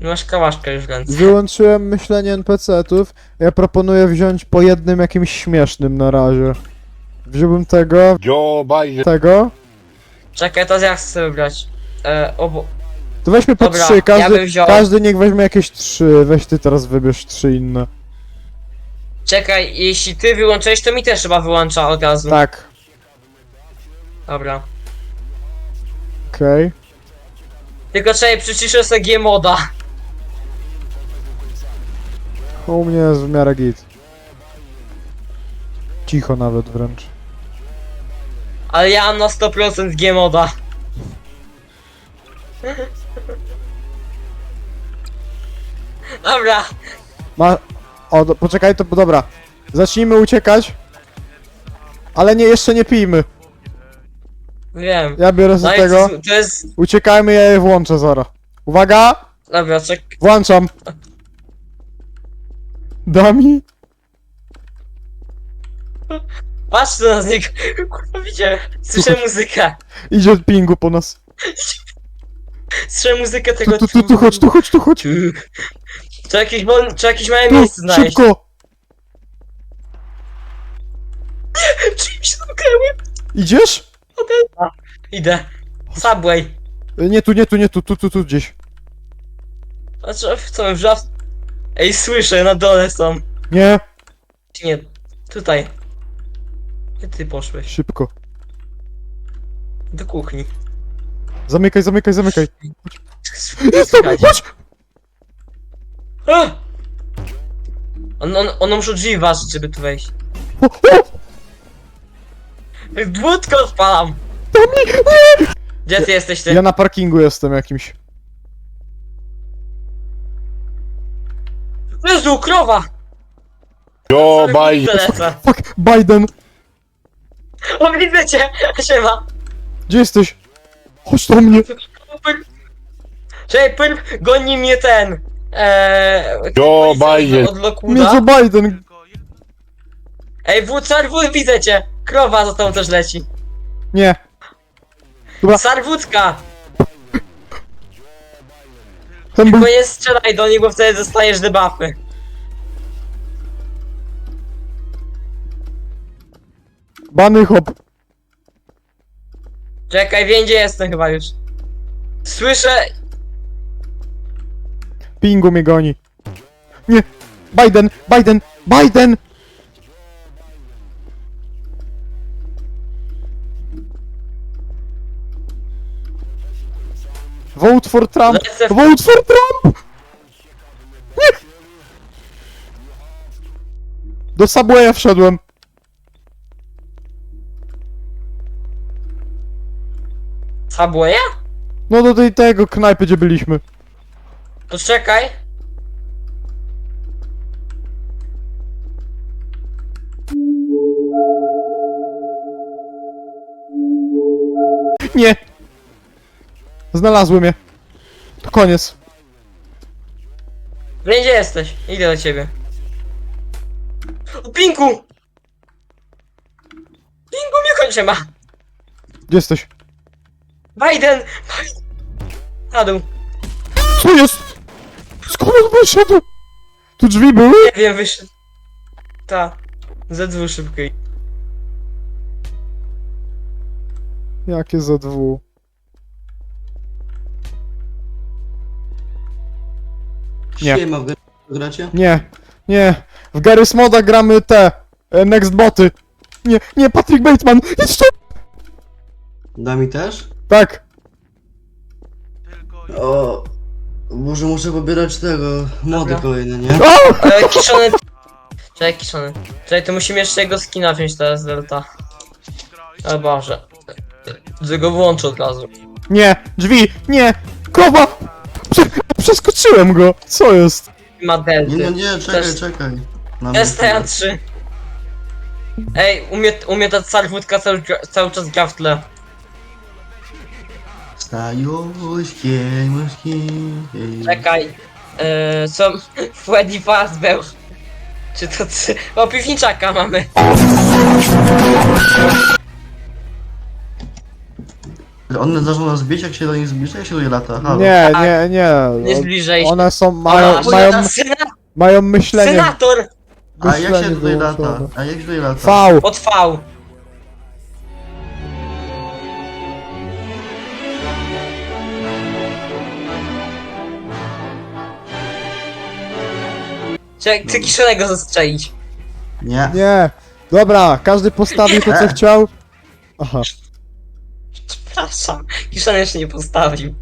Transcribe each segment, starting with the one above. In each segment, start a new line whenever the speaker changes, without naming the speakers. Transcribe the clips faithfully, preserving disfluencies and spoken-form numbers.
Masz kałaszkę już w ręce.
Wyłączyłem myślenie en pe ce ów. Ja proponuję wziąć po jednym jakimś śmiesznym na razie. Wziąłbym tego,
Joe Biden.
tego.
Czekaj, to ja chcę wybrać. E, obo...
To weźmy po
Dobra,
trzy,
ja
każdy,
bym wziął-
każdy niech weźmie jakieś trzy. Weź ty teraz wybierz trzy inne.
Czekaj, jeśli ty wyłączyłeś, to mi też chyba wyłącza od razu.
Tak,
Dobra.
okej.
Tylko czekaj, przyciszę sobie G-moda.
U mnie jest w miarę git. Cicho nawet wręcz.
Ale ja mam na sto procent G-moda. Dobra.
Ma... O, do... poczekaj, to dobra. Zacznijmy uciekać. Ale nie, jeszcze nie pijmy.
Wiem.
Ja biorę
No
z
i
tego.
to, to jest...
Uciekajmy, ja je włączę zaraz. Uwaga!
Dobra, czek...
Włączam. Dami?
Patrz tu na niego. Kurwa, widziałem. Słyszę muzykę.
Idzie od pingu po nas.
Słyszę muzykę
Tu,
tego...
tu, tu, tu, chodź, tu, chodź, tu, chodź.
Czy jakieś, wol... Czy jakieś małe
Tu,
miejsce znaleźć?
szybko!
Czy mi się zamknęły?
Idziesz?
Idę. Subway.
E, Nie tu, nie tu, nie tu, tu, tu, tu gdzieś.
A co, co, wrzaw... Ej, słyszę, na dole są.
Nie,
Nie, tutaj. Gdzie ty poszłeś?
szybko.
Do kuchni.
Zamykaj, zamykaj, zamykaj.
Jest
tam, chodź!
A! On, on, on muszą drzwi ważyć, żeby tu wejść.
O, o!
Dwódko odpalam! Gdzie ty jesteś ty?
Ja na parkingu jestem jakimś.
Jezu, krowa!
Joe
Sorry,
Biden.
lecę.
Fuck, Biden!
O, widzę cię! Siema!
Gdzie jesteś? Chodź do mnie!
Czekaj, pyrp, goni mnie ten! Eee...
Joe Biden.
Od
Mnie
Lockwooda.
co Biden!
Ej, wód, sarwód, widzę cię! Krowa za tobą też leci.
Nie. Dobra.
Sarwódka!
Ten był...
Tylko nie strzelaj do nich, bo wtedy dostajesz debuffy.
Bany hop.
Czekaj, wiem gdzie jestem chyba już. Słyszę...
Pingu mnie goni. Nie! Biden! Biden! Biden! Vote for Trump!
Lecę w...
Vote for Trump! Nie! Do Subwaya wszedłem.
Subwaya?
No do tej tego knajpy, gdzie byliśmy.
To czekaj.
Nie! Znalazłem je. To koniec.
Wiem gdzie jesteś. Idę do ciebie. O, Pinku! Pinku mnie kończy ma.
Gdzie jesteś?
Biden! Biden! Na dół.
Co jest? Skąd on wyszedł? Tu drzwi były?
Nie wiem, wyszedł. Ta. Ze dwóch szybkiej.
Jakie za dwu? Nie.
Siema, w grę gracie?
Nie, nie. W Garry's Moda gramy te e, Next Boty. Nie, nie, Patrick Bateman! Idź tu!
Da mi też?
Tak.
O, może muszę pobierać tego, mody
Dobra.
kolejne, nie?
O!
Ale kiszony... Czekaj, kiszony. Czekaj, to musimy jeszcze jego skina wziąć teraz, Delta. O Boże. Że go włączę od razu.
Nie, drzwi, nie! Krowa! Prze przeskoczyłem go! Co jest?
Ma
Nie,
Delty.
no nie, czekaj,
Też-
czekaj. Na
S T A trzy. Ej, umie, umie ta sarwódka cały, cały czas gra w tle.
Stajuśkie, muszki.
Czekaj. Eee, co? Freddy Fazbear. Czy to ty? O, piwniczaka mamy.
One zaczną nas bić, jak się do nich zbliża, jak się do nich lata. Halo.
Nie,
Tak.
nie, nie.
Nie zbliżaj się.
One są, mają,
Ona-
mają,
Sena
mają myślenie.
senator!
A jak się
myślenie
tutaj lata?
wyłączone.
A jak się tutaj lata?
V.
Pod V. Czekaj, chcę kiszonego zastrzelić.
Nie.
Nie. Dobra, każdy postawił to co
Nie.
chciał. Aha.
Przepraszam, kiszony jeszcze nie postawił.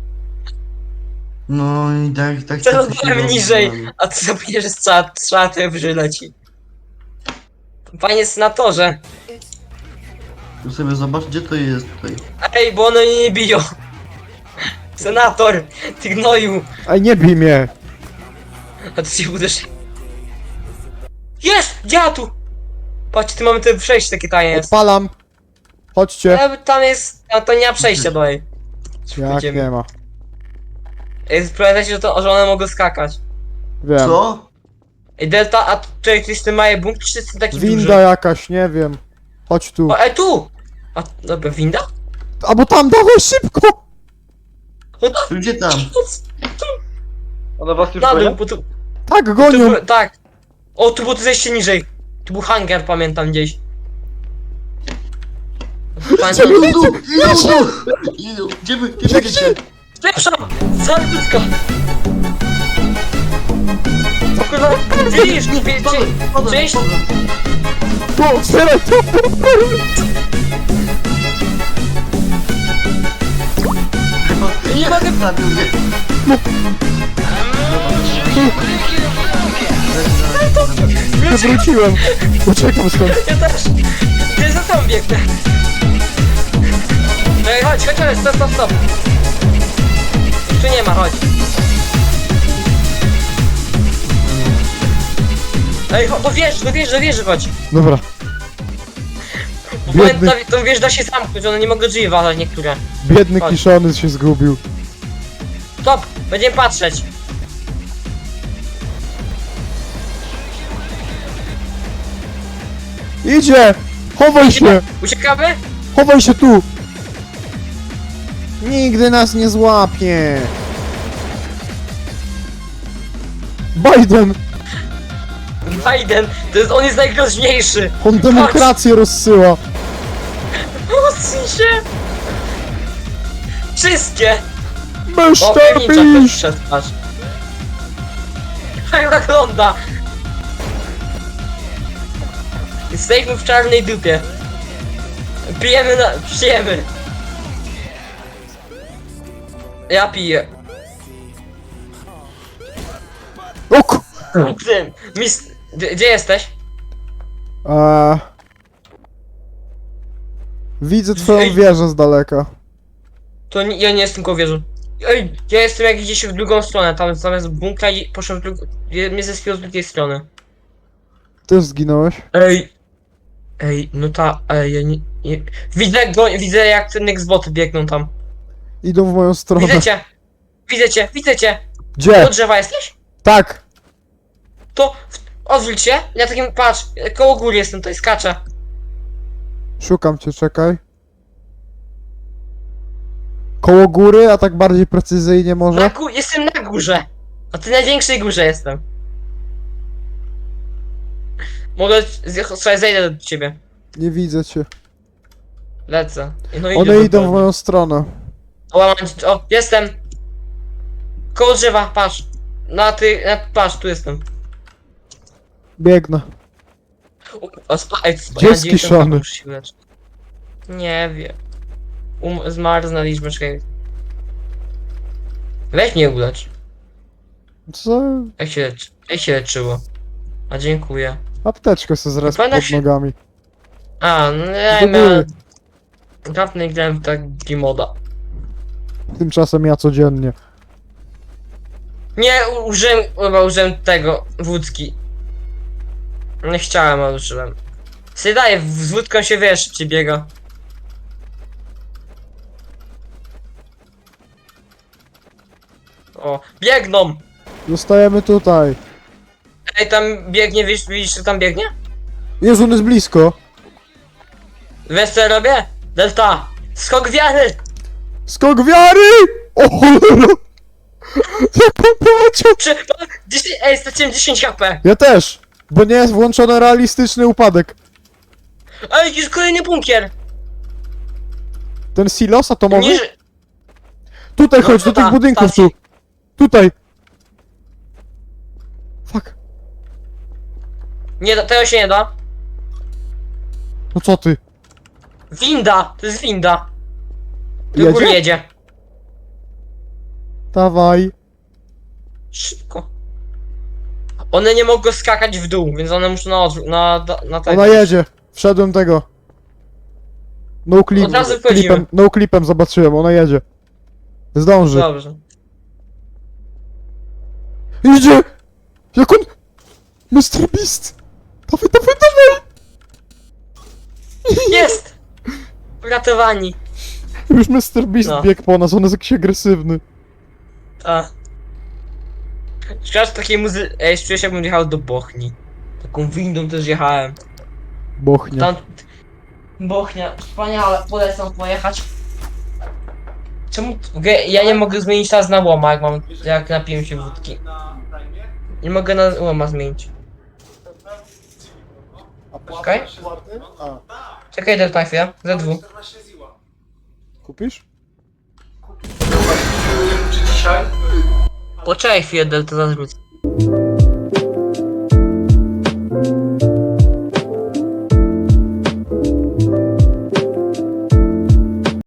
No i tak, tak.
Teraz
tak się
byłem
robi.
niżej, a ty zapomniesz, że strzała, strzała to przyleci. Panie senatorze,
Tu sobie zobacz, gdzie to jest tutaj.
ej, bo one mnie nie biją. Senator, ty gnoju,
Ej, nie bij mnie.
a ty się uderz. Jest! Dziadu! Patrz, ty mamy te przejście takie tajne jest.
Odpalam. Chodźcie.
Ale tam jest, a to nie ma przejścia dalej.
Jak
Pójdziemy.
nie ma.
Ej, Pamiętajcie, że, to, że one mogą skakać.
Wiem.
Co?
Ej, Delta, a tutaj ty jest ten mały bunkier, czy jest ten taki
Winda
duży?
jakaś, nie wiem. Chodź tu.
O, ej, tu! A, dobra, winda?
A bo tam, dawaj szybko!
O, tam,
Gdzie tam?
One was już
na dół,
gonią?
bo tu,
Tak,
tu
gonią!
był, tak. O, tu było to zejście niżej. Tu był hangar, pamiętam gdzieś. Pamiętam.
Idą, idą, idą! Idą! Gdzie wy, gdzie wy idziecie?
Lepsza! Zarbutka! Kurwa, widzisz, wie- wie- Cześć!
Tu, otwieraj to!
Nie mogę-
Zabił mnie.
Wywróciłem. Uciekam stąd.
Ja też! Ja za tobą biegnę! Ej, chodź, chodź, chodź, stop, stop, stop! Tu nie ma, chodź. Ej, chodź, do wieży, do wieży, do wieży chodź!
Dobra.
Bo
Biedny,
pamiętam, tą wież da się zamknąć, one nie mogą drzwi walać niektóre.
biedny
Chodź.
kiszony się zgubił.
Stop! Będziemy patrzeć!
Idzie! Chowaj się!
Uciekamy?
Chowaj się tu! Nigdy nas nie złapie! Biden!
Biden, to jest, on jest najgroźniejszy!
On demokrację rozsyła!
Odsuń się! Wszystkie! O,
mister
pewnicza ktoś
Beast!
wszedł, patrz. Jak wygląda! Jesteśmy w czarnej dupie. Pijemy na... pijemy. Ja piję.
O ku...
Ty, mis... Gdzie, gdzie jesteś?
Eee... Widzę twoją
Ej.
wieżę z daleka.
To nie, ja nie jestem koło wieży. Ej, ja jestem jak gdzieś w drugą stronę, tam zamiast bunkra i poszedłem w drugą... Mnie zespiło z drugiej strony.
Ty zginąłeś?
Ej. Ej, no ta, ej, ja nie... nie... Widzę go, widzę jak ten Xboty biegną tam.
Idą w moją stronę.
Widzę cię! Widzę cię, widzę cię!
Gdzie?
Do drzewa jesteś?
Tak!
To w- odwróć się, ja takim, patrz, koło góry jestem, tutaj skaczę.
Szukam cię, czekaj. Koło góry, a tak bardziej precyzyjnie
Na
może?
gó- jestem na górze. Na tej największej górze jestem. Mogę, z- słuchaj, zejdę do ciebie.
Nie widzę cię.
Lecę. No i
One
idę
idą
do-
w moją stronę.
O, mam, o, jestem. Koło drzewa, patrz. Na ty, na, patrz, tu jestem.
Biegnę.
O, o, spa, ej, spa,
Gdzie jest
dziewięćdziesiąt
kiszony?
muszę się uleczyć. Nie wiem. Um, zmarznęliśmy, czekaj. Weź mnie ulecz.
Co?
Jak się leczy? Jak się leczyło? A dziękuję.
Apteczkę se zres
Pamiętam
pod
się-
nogami.
A, no ja
Do
miałem...
góry.
Dawno grałem w taki moda.
Tymczasem ja codziennie.
Nie, u- użyłem, chyba użyłem tego, wódki. Nie chciałem, ale użyłem. Sobie daję, z wódką się wiesz, szybciej biega. O, biegną!
Zostajemy tutaj.
Ej, tam biegnie, widzisz, widzisz, że tam biegnie?
Jezu, on jest blisko.
Wiesz co ja robię? Delta! Skok wiary!
Skok wiary! O cholera! Jak on poleciał!
Czy... dziesięć, ej, straciłem dziesięć H P!
Ja też! Bo nie jest włączony realistyczny upadek.
Ej, jakiś kolejny bunkier!
Ten silos atomowy?
Nie,
Tutaj
No
chodź, do
to
tych
ta,
budynków
stacji.
tu! Tutaj! Fuck.
nie da, tego się nie da.
No co ty?
Winda! To jest winda! Do góry
Jedzie?
jedzie.
Dawaj.
Szybko. One nie mogą skakać w dół, więc one muszą na odwrót, na, na, na tego.
Ona jedzie. Wszedłem tego. No clip,
Od razu wchodzimy.
clipem, no clipem zobaczyłem, ona jedzie. Zdąży.
Dobrze.
Idzie! Jak on... mister Beast! Dawaj, dawaj, dawaj!
Jest! Uratowani.
Już mister Beast
No.
biegł po nas, on jest jakiś agresywny.
A. Szkoda, że takiej muzy... Ej, czuję się, jakbym jechał do Bochni. Taką windą też jechałem.
Bochnia.
Tam... Bochnia, wspaniale, polecam pojechać. Czemu... Ge- Ja nie mogę zmienić teraz na łoma, jak mam... jak napiłem się wódki. Nie mogę na łoma zmienić. Okej?
A,
Czekaj, daj na chwilę. Z dwóch.
kupisz?
Poczekaj chwilę, Delta, zaraz wrócę.